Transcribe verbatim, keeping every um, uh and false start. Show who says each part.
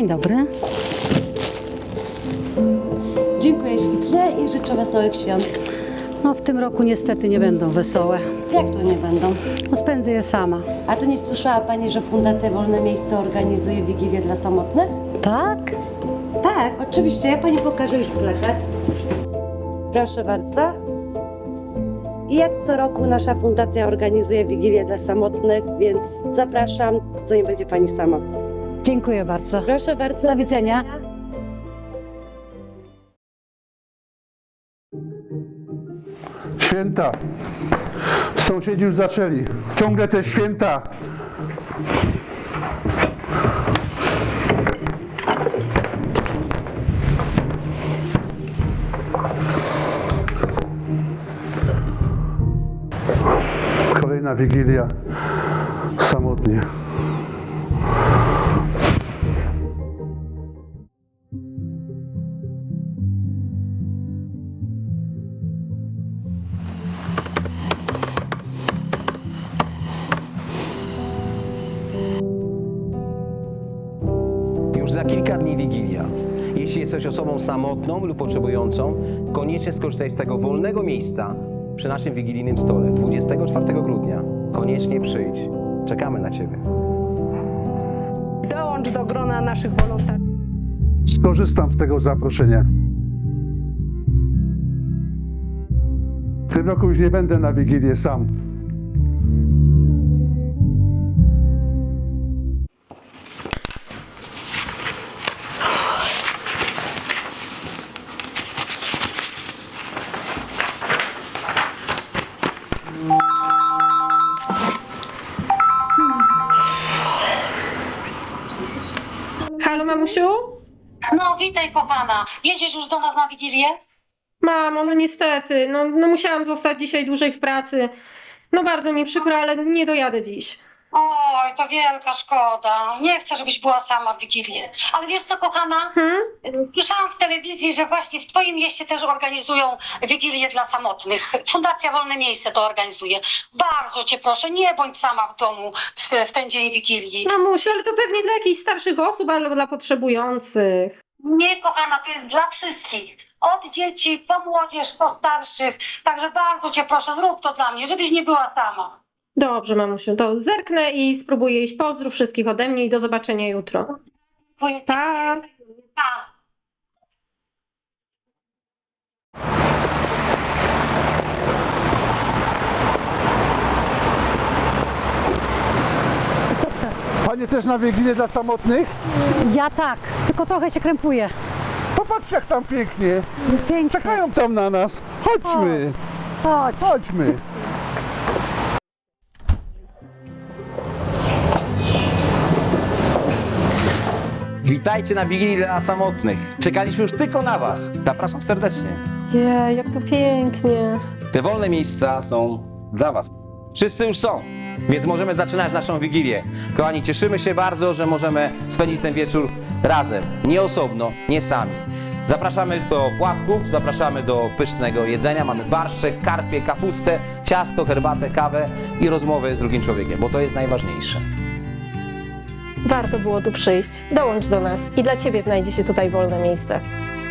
Speaker 1: Dzień dobry.
Speaker 2: Dziękuję ślicznie i życzę wesołych świąt.
Speaker 1: No w tym roku niestety nie będą wesołe.
Speaker 2: Jak to nie będą?
Speaker 1: No spędzę je sama.
Speaker 2: A to nie słyszała Pani, że Fundacja Wolne Miejsce organizuje Wigilię dla samotnych?
Speaker 1: Tak?
Speaker 2: Tak, oczywiście. Ja Pani pokażę już plakat. Proszę bardzo. I jak co roku nasza fundacja organizuje Wigilię dla samotnych, więc zapraszam, co nie będzie Pani sama.
Speaker 1: Dziękuję bardzo.
Speaker 2: Proszę bardzo.
Speaker 1: Do widzenia.
Speaker 3: Święta. Sąsiedzi już zaczęli. Ciągle te święta. Kolejna Wigilia. Samotnie.
Speaker 4: Już za kilka dni Wigilia. Jeśli jesteś osobą samotną lub potrzebującą, koniecznie skorzystaj z tego wolnego miejsca przy naszym wigilijnym stole dwudziestego czwartego grudnia. Koniecznie przyjdź. Czekamy na Ciebie.
Speaker 5: Dołącz do grona naszych wolontariuszy.
Speaker 3: Skorzystam z tego zaproszenia. W tym roku już nie będę na Wigilię sam.
Speaker 6: Halo, mamusiu?
Speaker 7: No, witaj kochana. Jedziesz już do nas na Wigilię?
Speaker 6: Mamo, no niestety, no, no musiałam zostać dzisiaj dłużej w pracy. No bardzo mi przykro, ale nie dojadę dziś.
Speaker 7: Oj, to wielka szkoda. Nie chcę, żebyś była sama w Wigilię. Ale wiesz co, kochana?
Speaker 6: Hmm?
Speaker 7: Słyszałam w telewizji, że właśnie w twoim mieście też organizują Wigilię dla samotnych. Fundacja Wolne Miejsce to organizuje. Bardzo cię proszę, nie bądź sama w domu w, w ten dzień Wigilii.
Speaker 6: Mamusiu, ale to pewnie dla jakichś starszych osób albo dla potrzebujących.
Speaker 7: Nie, kochana, to jest dla wszystkich. Od dzieci, po młodzież, po starszych. Także bardzo cię proszę, zrób to dla mnie, żebyś nie była sama.
Speaker 6: Dobrze, mamusiu, to zerknę i spróbuję iść. Pozdrów wszystkich ode mnie i do zobaczenia jutro.
Speaker 7: Twoje...
Speaker 6: Pa!
Speaker 7: Pa.
Speaker 3: Panie też na Wigilię dla samotnych?
Speaker 1: Ja tak, tylko trochę się krępuję.
Speaker 3: Popatrz jak tam pięknie.
Speaker 1: Pięknie.
Speaker 3: Czekają tam na nas. Chodźmy.
Speaker 1: Chodź.
Speaker 3: Chodźmy.
Speaker 4: Witajcie na Wigilii dla samotnych. Czekaliśmy już tylko na Was. Zapraszam serdecznie.
Speaker 6: Jej, jak to pięknie.
Speaker 4: Te wolne miejsca są dla Was. Wszyscy już są, więc możemy zaczynać naszą Wigilię. Kochani, cieszymy się bardzo, że możemy spędzić ten wieczór razem. Nie osobno, nie sami. Zapraszamy do płatków, zapraszamy do pysznego jedzenia. Mamy barszczek, karpie, kapustę, ciasto, herbatę, kawę i rozmowy z drugim człowiekiem, bo to jest najważniejsze.
Speaker 6: Warto było tu przyjść. Dołącz do nas i dla Ciebie znajdzie się tutaj wolne miejsce.